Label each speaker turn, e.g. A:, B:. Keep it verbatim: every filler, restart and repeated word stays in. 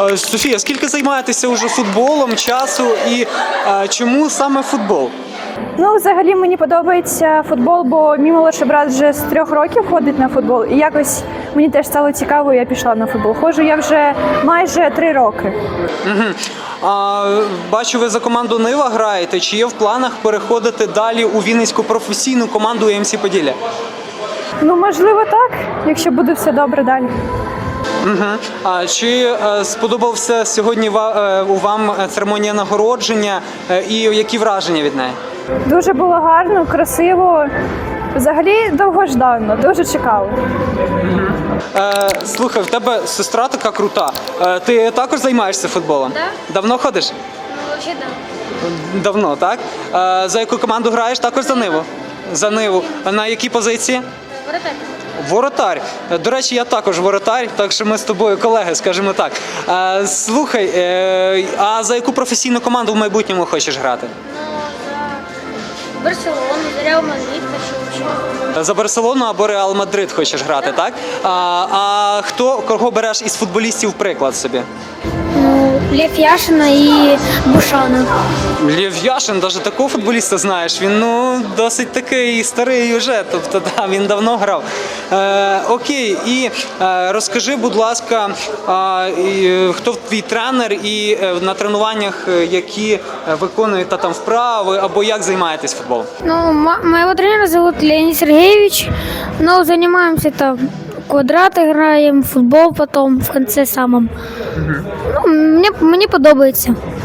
A: Е, Софія, скільки займаєтеся уже футболом, часу і е, чому саме футбол?
B: Ну, взагалі мені подобається футбол, бо мій молодший брат вже з трьох років ходить на футбол. І якось мені теж стало цікаво, і я пішла на футбол. Ходжу я вже майже три роки.
A: Угу. А, бачу, ви за команду Нива граєте. Чи є в планах переходити далі у Вінницьку професійну команду ем сі Поділля?
B: Ну, можливо, так, якщо буде все добре далі.
A: Угу. А чи е, сподобався сьогодні ва, е, у вам церемонія нагородження е, і які враження від неї?
B: Дуже було гарно, красиво. Взагалі довгожданно, дуже чекала.
A: Е, слухай, в тебе сестра така крута. Е, ти також займаєшся футболом?
C: Да.
A: Давно ходиш?
C: Ну, вообще да.
A: Давно, так? Е, за яку команду граєш? Також за Ниву? За Ниву. На якій позиції?
C: Воротарь.
A: Воротар. До речі, я також воротар, так що ми з тобою колеги, скажімо так. Е, слухай, е, а за яку професійну команду в майбутньому хочеш грати?
C: Ну, за Барселону, за Реал Мадрид хочу вообще.
A: За Барселону або Реал Мадрид хочеш грати, так? А, а хто, кого береш із футболістів приклад собі?
C: Ну, Лев Яшина и Бушана.
A: Лев Яшин, навіть такого футболіста знаєш, він ну досить такий старий вже, тобто да, він давно грав. Е, окей, і е, розкажи, будь ласка, е, і, хто твій тренер і е, на тренуваннях, е, які виконуєте там вправи або як займаєтесь футболом?
C: Ну, моего тренера зовут Леонид Сергеевич. Но занимаемся там квадрат играем, футбол потом в конце самом. Ну, мне, мне подобається.